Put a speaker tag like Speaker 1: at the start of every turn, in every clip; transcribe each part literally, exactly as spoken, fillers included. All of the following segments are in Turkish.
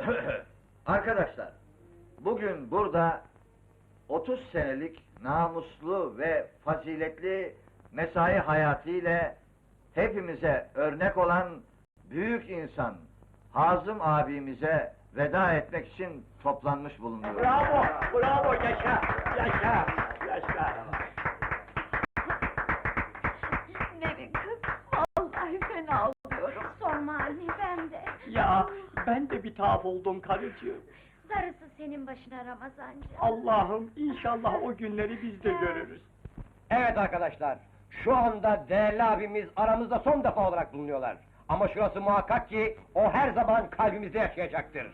Speaker 1: Arkadaşlar, bugün burada otuz senelik namuslu ve faziletli mesai hayatıyla hepimize örnek olan büyük insan Hazım abimize veda etmek için toplanmış bulunuyoruz.
Speaker 2: Bravo, bravo, yaşa, yaşa, yaşa.
Speaker 3: Nevin kız, vallahi fena oluyorum.
Speaker 4: Sorma anne, ben de.
Speaker 2: Ya, ben de bir tuhaf oldum karıcığım.
Speaker 4: Darısı senin başına Ramazancığım.
Speaker 2: Allah'ım, inşallah o günleri biz de görürüz.
Speaker 5: Evet arkadaşlar, şu anda değerli abimiz aramızda son defa olarak bulunuyorlar. Ama şurası muhakkak ki, o her zaman kalbimizde yaşayacaktır.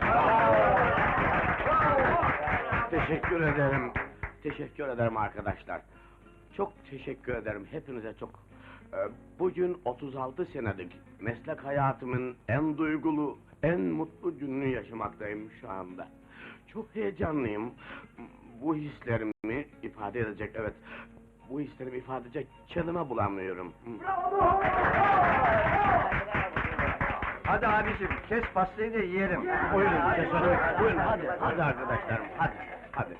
Speaker 6: Teşekkür ederim. Teşekkür ederim arkadaşlar. Çok teşekkür ederim hepinize çok. Ee, bugün otuz altı senelik meslek hayatımın en duygulu, en mutlu gününü yaşamaktayım şu anda. Çok heyecanlıyım. Bu hislerimi ifade edecek, evet. Bu hislerimi ifade edecek kelime bulamıyorum.
Speaker 1: Hadi abicim, kes pastayı da yiyelim.
Speaker 6: Buyurun, keselim. Buyurun, hadi, hadi arkadaşlarım, hadi, hadi.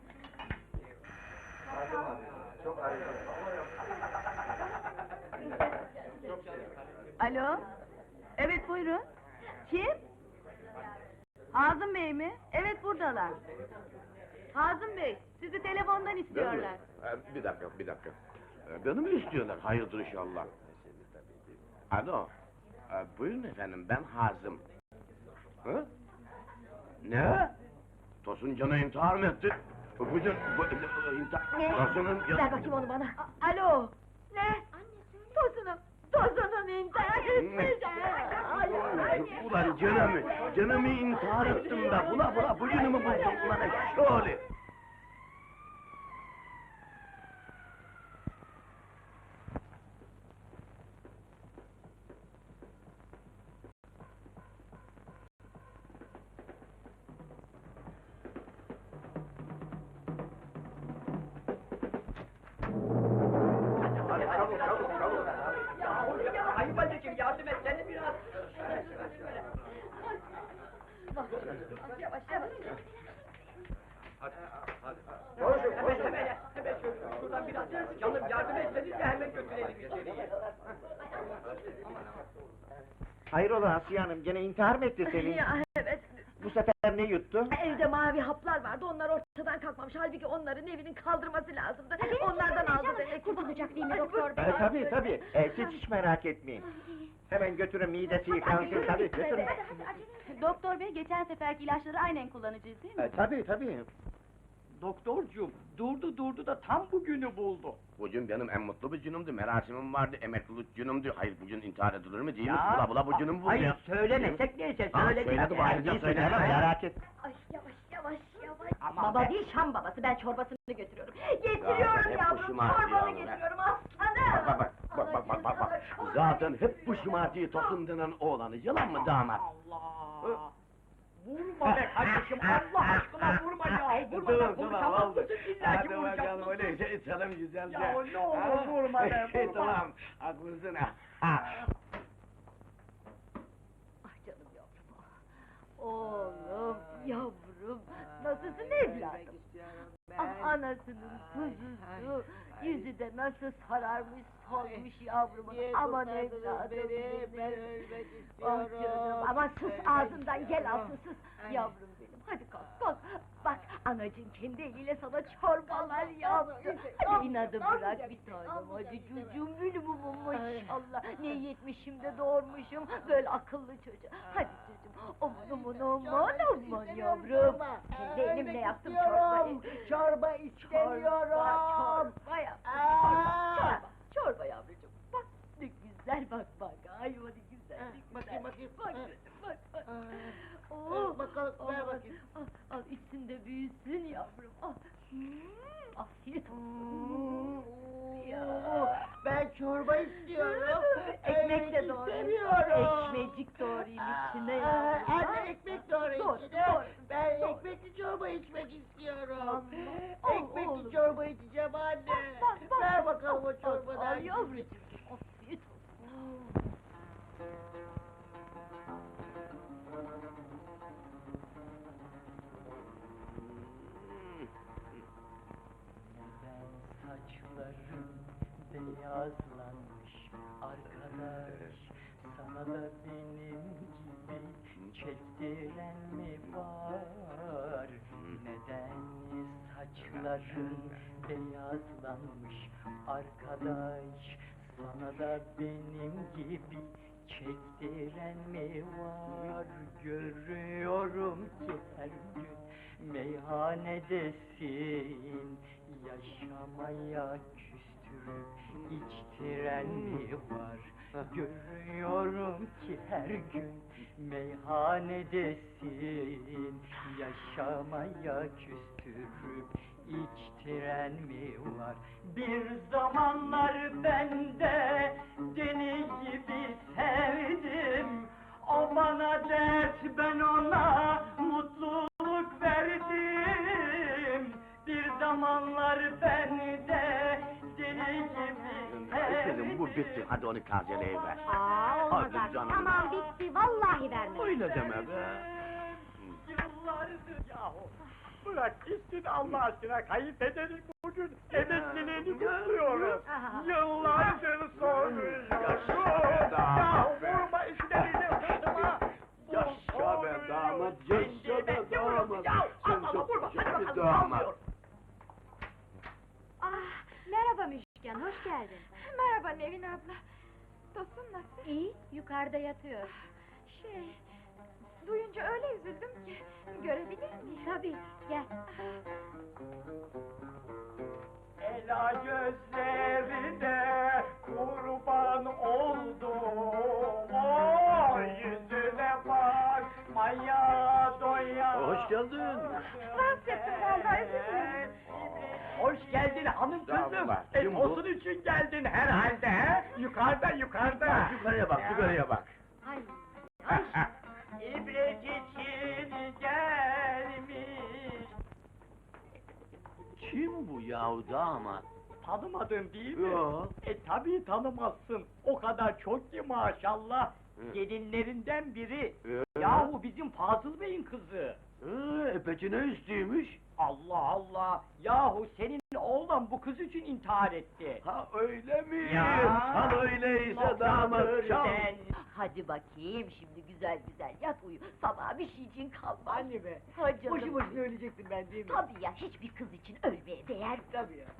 Speaker 3: Alo? Evet, buyurun. Kim? Hazım Bey mi? Evet, buradalar. Hazım Bey, sizi telefondan istiyorlar.
Speaker 6: Ee, bir dakika, bir dakika. Ee, beni mi istiyorlar? Hayırdır inşallah. Alo. Ee, buyurun efendim, ben Hazım. Hı? Ne? Tosun Can'a intihar mı etti? Bugün bu, intihar...
Speaker 4: Ne?
Speaker 6: Tosun'un...
Speaker 4: Ver bakayım onu bana.
Speaker 3: A- Alo? Ne? Tosunum, Tosunum intihar etmiş. Ay, ay.
Speaker 6: Ulan canımı, canımı intihar ettim be. Bula bula bugünümü buldum ulan şöyle.
Speaker 2: Hadi çabuk, çabuk, çabuk. Ayıp bacıcığım, yardım et, seni biraz.
Speaker 3: Yavaş, yavaş.
Speaker 2: Koşun, koşun. Hemen, hemen şöyle, şuradan biraz. Canım, yardım etseniz de hemen götürelim içeriye.
Speaker 5: Hayrola Asiye Hanım, gene intihar mı etti senin?
Speaker 3: Ya, evet.
Speaker 5: Bu sefer ne yuttu?
Speaker 3: Evde mavi haplar vardı, onlar ortadan kalkmamış. Halbuki onların evinin kaldırması lazımdı. Onlardan aldı demek.
Speaker 4: Kurtulacak değil mi doktor bey?
Speaker 5: E, tabii tabii, e, siz hiç merak etmeyin. Hemen götürün, midesi yıkansın, tabii götürün.
Speaker 3: Doktor bey, geçen seferki ilaçları aynen kullanacağız değil mi?
Speaker 5: E, tabii tabii.
Speaker 2: Doktorcuğum, durdu durdu da tam bugünü buldu.
Speaker 6: Bugün benim en mutlu bir günümdü, merasimim vardı, emeklilik günümdü. Hayır, bugün intihar edilir mi değil mi?
Speaker 2: Ya,
Speaker 6: Bula bula bu günüm bu
Speaker 2: hayır,
Speaker 6: ya.
Speaker 2: söylemesek neyse,
Speaker 6: Ha,
Speaker 2: söyledik.
Speaker 6: söyledi, bağıracağım, söylemem, merak et.
Speaker 4: Ay yavaş yavaş yavaş.
Speaker 2: Aman
Speaker 3: Baba
Speaker 2: be.
Speaker 3: değil, Şam babası, ben çorbasını götürüyorum.
Speaker 4: Getiriyorum
Speaker 6: hep
Speaker 4: yavrum,
Speaker 6: başıma ağrıyor
Speaker 4: çorbanı
Speaker 6: be.
Speaker 4: getiriyorum aslanım.
Speaker 6: Bak bak bak bak bak bak bak. Zaten hep bu şımartıyı Tosun denen oğlanı, yalan mı damat?
Speaker 2: Allah! Vurma be kardeşim, Allah aşkına vurma ya! Vurma da konuşamazsın, illa ki vuracaksın.
Speaker 6: öyleyse içelim güzelce.
Speaker 2: Ya ne olur vurma be, vurma!
Speaker 6: Tamam, haklısın ha.
Speaker 3: Ah canım yavrum. Oğlum, yavrum, nasılsın evladım? Ah anasının kuzusu, yüzü de nasıl sararmış, solmuş yavrumun. Aman evladım benim.
Speaker 7: Ben ölmek
Speaker 3: Ah
Speaker 7: istiyorum.
Speaker 3: canım, aman sus ağzından, gel alsın sus. Yavrum benim, hadi kalk kalk. Bak, anacığım kendi eliyle sana çorbalar yaptı. Hadi inadı bırak bir tanem, hadi çocuğum benim umum maşallah. Ne yetmişim de doğurmuşum, böyle akıllı çocuğu. Hadi çocuğum, aman aman aman aman yavrum. Kendi elimle yaptım çorbayı.
Speaker 7: Çorba istemiyorum.
Speaker 3: Çorba, çorba yaptım, çorba, çorba, çorba yavrucuğum. Bak ne güzel, bak bak, ay o ne güzel, ne güzel.
Speaker 7: Bakayım, bakayım.
Speaker 3: Bak çocuğum, bak bak.
Speaker 7: Aa,
Speaker 3: Oh,
Speaker 7: bakalım, ver
Speaker 3: aman,
Speaker 7: bakayım.
Speaker 3: Al, al içsin de büyüsün yavrum. Ah, hmm, afiyet olsun.
Speaker 7: Hmm,
Speaker 3: Ya.
Speaker 7: Ben çorba istiyorum.
Speaker 3: Ekmek de
Speaker 7: Ölmek
Speaker 3: doğrayayım.
Speaker 7: istemiyorum.
Speaker 3: Ekmecik doğrayayım içine
Speaker 7: Aa,
Speaker 3: yavrum.
Speaker 7: Anne ekmek doğru
Speaker 3: Doğru,
Speaker 7: içine.
Speaker 3: doğru,
Speaker 7: Ben
Speaker 3: doğru.
Speaker 7: ekmekli çorba içmek istiyorum.
Speaker 3: Aman,
Speaker 7: Ekmekli
Speaker 3: oğlum.
Speaker 7: çorba içeceğim anne.
Speaker 3: Bak, bak,
Speaker 7: Ver
Speaker 3: bak,
Speaker 7: bakalım
Speaker 3: bak,
Speaker 7: o çorbadan.
Speaker 3: Al yavrucuğum, afiyet olsun.
Speaker 2: beyazlanmış arkadaş, sana da benim gibi çektiren mi var? Neden saçların beyazlanmış arkadaş, sana da benim gibi çektiren mi var? Görüyorum ki her gün meyhanedesin, yaşamaya küstürüp içtiren mi var? Görüyorum ki her gün meyhanedesin, yaşamaya küstürüp içtiren mi var? Bir zamanlar ben de deli gibi sevdim, o bana dert, ben ona mutluluk verdim. Bir zamanlar ben de deli gibi sevdim.
Speaker 6: Kızım bu bitti, hadi onu tazeleyiver.
Speaker 4: Aa olmaz
Speaker 6: Hadi
Speaker 4: artık.
Speaker 6: canım.
Speaker 4: Tamam bitti vallahi vermem.
Speaker 6: Öyle deme be.
Speaker 2: Yıllardır yahu. Bırak gitsin Allah aşkına, kayınpederin bugün emekliliğini kutluyoruz. Yıllardır soruyorsun. Ya vurma işleriyle kızıma.
Speaker 6: Yaşa be damat, yaşa be damat. Sen çok güzel bir damat.
Speaker 4: Ah merhaba Müşken hoş geldin.
Speaker 3: Merhaba Nevin abla. Tosun nasıl?
Speaker 4: İyi yukarıda yatıyor.
Speaker 3: Şey, duyunca öyle üzüldüm ki. Görebilir miyim?
Speaker 4: Tabii gel.
Speaker 2: Ela gözlerine kurban oldum, o yüzüne bakmaya doyamam.
Speaker 6: Hoş geldin.
Speaker 3: Rahatsız ettim galiba, özür dilerim.
Speaker 2: Hoş geldin hanım kızım.
Speaker 6: Estağfurullah,
Speaker 2: E,
Speaker 6: kim bu?
Speaker 2: tosun için geldin herhalde he? Yukarıda yukarıda.
Speaker 6: Bak yukarıya bak, yukarıya bak.
Speaker 4: Ay.
Speaker 2: İbret için gelmiş.
Speaker 6: Kim bu yahu damat?
Speaker 2: Tanımadın değil mi?
Speaker 6: Yo.
Speaker 2: E tabii tanımazsın. O kadar çok ki maşallah.
Speaker 6: Hı.
Speaker 2: Gelinlerinden biri.
Speaker 6: Ee?
Speaker 2: Yahu bizim Fazıl Bey'in kızı.
Speaker 6: Ee, e peki ne istiyormuş?
Speaker 2: Allah Allah! Yahu senin oğlan bu kız için intihar etti.
Speaker 6: Ha öyle mi?
Speaker 2: Ya.
Speaker 6: Sen öyleyse damat çal.
Speaker 2: Ben...
Speaker 3: Hadi bakayım şimdi güzel güzel yat uyu. Sabah bir şey için kalmaz.
Speaker 2: Anne be!
Speaker 3: Ha canım.
Speaker 2: Boşu boşuna ölecektin ben değil mi?
Speaker 3: Tabii ya, hiçbir kız için ölmeye değer.
Speaker 2: Tabii ya.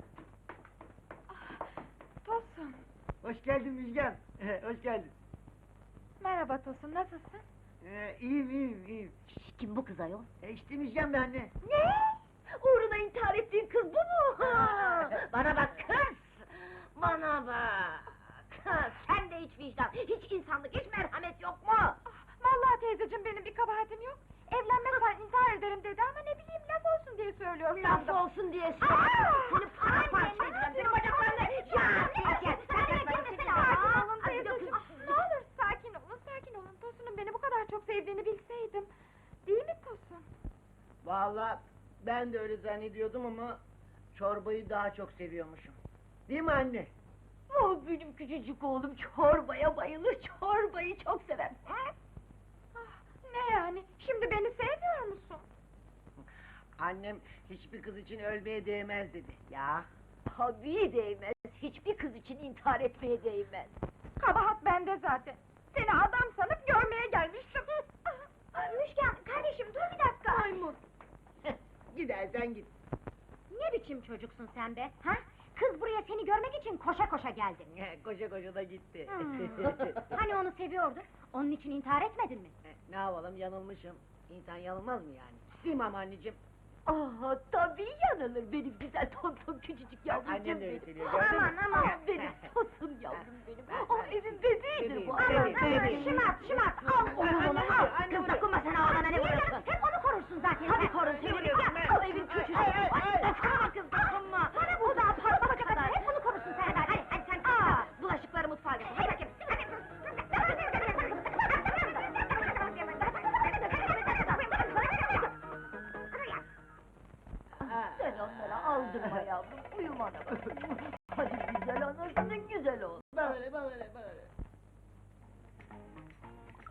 Speaker 3: Tosun.
Speaker 2: Hoş geldin Müjgan. Hoş geldin.
Speaker 3: Merhaba Tosun, nasılsın?
Speaker 2: Ee, iyiyim iyiyim iyiyim.
Speaker 3: Kim bu kız ayol?
Speaker 2: E işte Müjgan be anne.
Speaker 3: Ne? Uğruna intihar ettiğin kız bu mu? Bana bak kız! Bana bak! Kız, sen de hiç vicdan, hiç insanlık, hiç merhamet yok mu?
Speaker 8: Vallahi teyzeciğim benim bir kabahatim yok. Evlenmezsen intihar ederim dedi ama ne bileyim laf olsun diye söylüyorum.
Speaker 3: Laf olsun diye söylüyorum. Seni paramparça edeceğim, senin bacaklarını... Ya, gel, sen de gel,
Speaker 8: Sakin olun teyzeciğim. Ah, ne olur sakin olun, sakin olun. Tosun'un beni bu kadar çok sevdiğini bilseydim. Değil mi Tosun?
Speaker 7: Vallahi ben de öyle zannediyordum ama çorbayı daha çok seviyormuşum. Değil mi anne?
Speaker 3: Oh, benim küçücük oğlum çorbaya bayılır, çorbayı çok sever. Hı?
Speaker 8: Ah, ne yani? Şimdi beni sevmiyor musun?
Speaker 7: Annem hiçbir kız için ölmeye değmez dedi. Ya.
Speaker 3: Tabii değmez, hiçbir kız için intihar etmeye değmez.
Speaker 8: Kabahat bende zaten. Seni adam sanıp görmeye gelmiştim.
Speaker 4: Müşken kardeşim dur bir dakika.
Speaker 8: Maymun.
Speaker 7: Gidersen git.
Speaker 4: Ne biçim çocuksun sen be? Ha? Kız buraya seni görmek için koşa koşa geldi.
Speaker 7: Koşa koşa da gitti.
Speaker 4: Hmm. Hani onu seviyordu? Onun için intihar etmedin mi?
Speaker 7: Ne yapalım, yanılmışım. İnsan yanılmaz mı yani? Değil mi ama anneciğim?
Speaker 3: Ah, tabii yanılır benim güzel tonton küçücük yavrucuğum
Speaker 7: Annem de öyle
Speaker 3: benim.
Speaker 7: söylüyor, gördün mü?
Speaker 4: Aman aman.
Speaker 3: Ah, benim tosun yavrum benim. Oh, evin bebeğidir bu.
Speaker 7: Bebeğim,
Speaker 3: Aman,
Speaker 7: bebeğim,
Speaker 3: aman,
Speaker 7: bebeğim.
Speaker 4: Şımart şımart al onu
Speaker 7: Anne,
Speaker 4: bunu
Speaker 7: anne,
Speaker 4: al.
Speaker 7: anne,
Speaker 4: Kız
Speaker 7: anne.
Speaker 4: dokunma sen oğlana ne vuruyorsun? Hep onu korursun zaten.
Speaker 3: Tabii korursun